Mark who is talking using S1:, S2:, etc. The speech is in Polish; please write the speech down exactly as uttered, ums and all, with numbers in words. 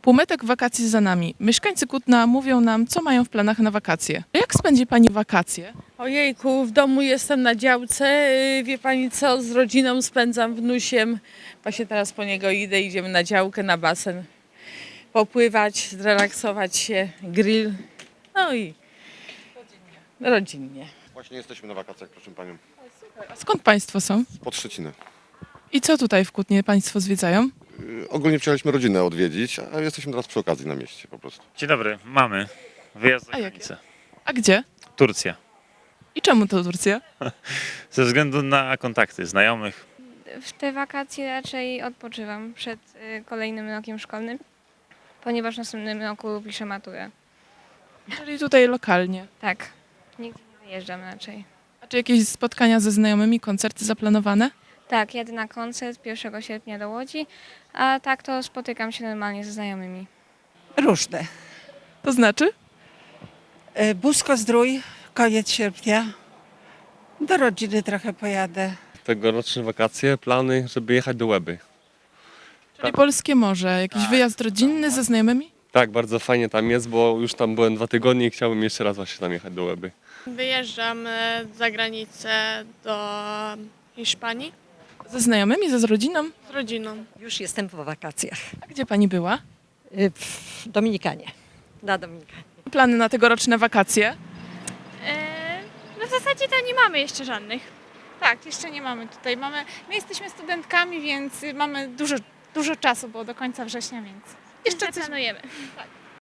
S1: Półmetek wakacji za nami. Mieszkańcy Kutna mówią nam, co mają w planach na wakacje. Jak spędzi Pani wakacje?
S2: Ojejku, w domu jestem na działce. Yy, Wie pani co, z rodziną spędzam wnusiem. Właśnie teraz po niego idę, idziemy na działkę, na basen. Popływać, zrelaksować się, grill. No i rodzinnie. rodzinnie.
S3: Właśnie jesteśmy na wakacjach, proszę panią.
S1: A skąd Państwo są?
S3: Pod Szczeciny.
S1: I co tutaj w Kutnie Państwo zwiedzają?
S3: Yy, Ogólnie przyjechaliśmy rodzinę odwiedzić, a jesteśmy teraz przy okazji na mieście po prostu.
S4: Dzień dobry, mamy wyjazd za
S1: A jakie?
S4: granicę.
S1: A gdzie?
S4: Turcja.
S1: I czemu to Turcja?
S4: Ze względu na kontakty znajomych.
S5: W te wakacje raczej odpoczywam przed y, kolejnym rokiem szkolnym, ponieważ w następnym roku piszę maturę.
S1: Czyli tutaj lokalnie.
S5: Tak, nigdzie nie wyjeżdżam raczej.
S1: A czy jakieś spotkania ze znajomymi, koncerty zaplanowane?
S5: Tak, jadę na koncert pierwszego sierpnia do Łodzi, a tak to spotykam się normalnie ze znajomymi.
S6: Różne.
S1: To znaczy?
S6: E, Busko-Zdrój, koniec sierpnia. Do rodziny trochę pojadę.
S7: Tegoroczne wakacje, plany, żeby jechać do Łeby.
S1: Czyli Polskie Morze. Jakiś wyjazd rodzinny ze znajomymi?
S7: Tak, bardzo fajnie tam jest, bo już tam byłem dwa tygodnie i chciałbym jeszcze raz właśnie tam jechać do Łeby.
S8: Wyjeżdżam e, za granicę do Hiszpanii
S1: Ze znajomymi, ze z rodziną?
S8: z rodziną.
S9: Już jestem po wakacjach.
S1: A gdzie Pani była?
S9: Y, W Dominikanie. Na Dominikanie.
S1: Plany na tegoroczne wakacje?
S8: No w zasadzie to nie mamy jeszcze żadnych.
S10: Tak, jeszcze nie mamy tutaj. Mamy, my jesteśmy studentkami, więc mamy dużo, dużo czasu, bo do końca września, więc jeszcze coś
S8: Planujemy.
S10: tak.